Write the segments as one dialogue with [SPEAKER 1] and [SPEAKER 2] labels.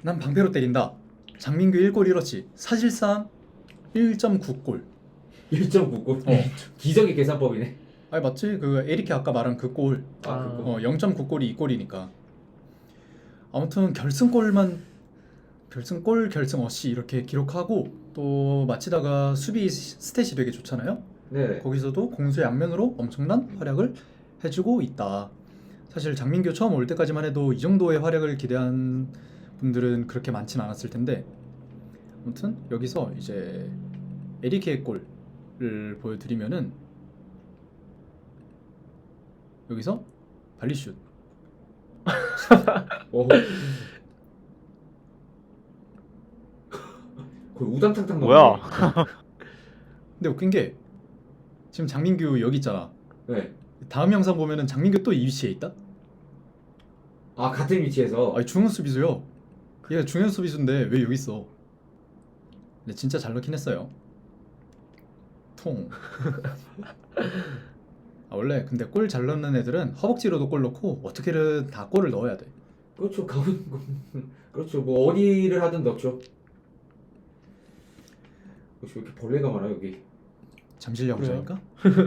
[SPEAKER 1] 난 방패로 때린다. 장민규 1골 1어치. 사실상 1.9골.
[SPEAKER 2] 1.9골. 기적의 계산법이네.
[SPEAKER 1] 아니 맞지? 그 에리케 아까 말한 그 골.
[SPEAKER 2] 그거.
[SPEAKER 1] 0.9골이 2골이니까. 아무튼 결승골 결승 어시 이렇게 기록하고 또 마치다가 수비 스탯이 되게 좋잖아요.
[SPEAKER 2] 네.
[SPEAKER 1] 거기서도 공수 양면으로 엄청난 활약을 해주고 있다. 사실 장민규 처음 올 때까지만 해도 이 정도의 활약을 기대한 분들은 그렇게 많진 않았을 텐데, 아무튼 여기서 이제 에리케의 골을 보여드리면은 여기서 발리슛.
[SPEAKER 2] 오. 거의 우당탕탕
[SPEAKER 3] 뭐야?
[SPEAKER 2] 나오네.
[SPEAKER 1] 근데 웃긴 게 지금 장민규 여기 있잖아.
[SPEAKER 2] 네.
[SPEAKER 1] 다음 영상 보면은 장민규 또 이 위치에 있다.
[SPEAKER 2] 아, 같은 위치에서.
[SPEAKER 1] 아니 중앙 수비수요. 얘가 중앙 수비수인데 왜 여기 있어? 근데 진짜 잘 넣긴 했어요. 통. 원래 근데 골 잘 넣는 애들은 허벅지로도 골 넣고 어떻게든 다 골을 넣어야 돼.
[SPEAKER 2] 그렇죠. 그렇죠. 뭐 어디를 하든 넣죠. 왜 이렇게 벌레가 많아 여기?
[SPEAKER 1] 잠실 야구장인가?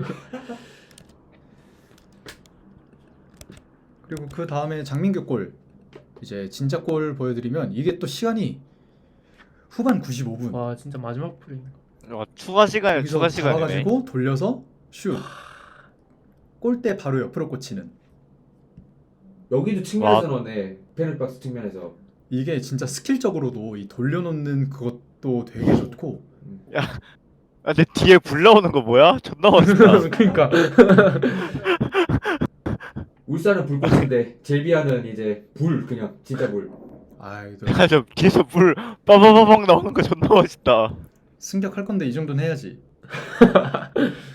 [SPEAKER 1] 그리고 그 다음에 장민규 골, 이제 진짜 골 보여드리면 이게 또 시간이 후반 95분.
[SPEAKER 4] 와 진짜 마지막 프레임.
[SPEAKER 3] 추가 시간에
[SPEAKER 1] 여기서
[SPEAKER 3] 추가 시간이네.
[SPEAKER 1] 잡아가지고 돌려서 슛. 골대 바로 옆으로 꽂히는.
[SPEAKER 2] 여기도 측면에서 넣네. 페널박스 측면에서.
[SPEAKER 1] 이게 진짜 스킬적으로도 이 돌려놓는 그것도 되게 좋고.
[SPEAKER 3] 근데 뒤에 불 나오는 거 뭐야? 존나 멋있다.
[SPEAKER 4] 그러니까
[SPEAKER 2] 울산은 불꽃인데 젤비아는 이제 불 그냥 진짜 불.
[SPEAKER 1] 아이도
[SPEAKER 3] 저 뒤에서 불 빠바바방 나오는 거 존나 멋있다.
[SPEAKER 1] 승격할 건데 이 정도는 해야지.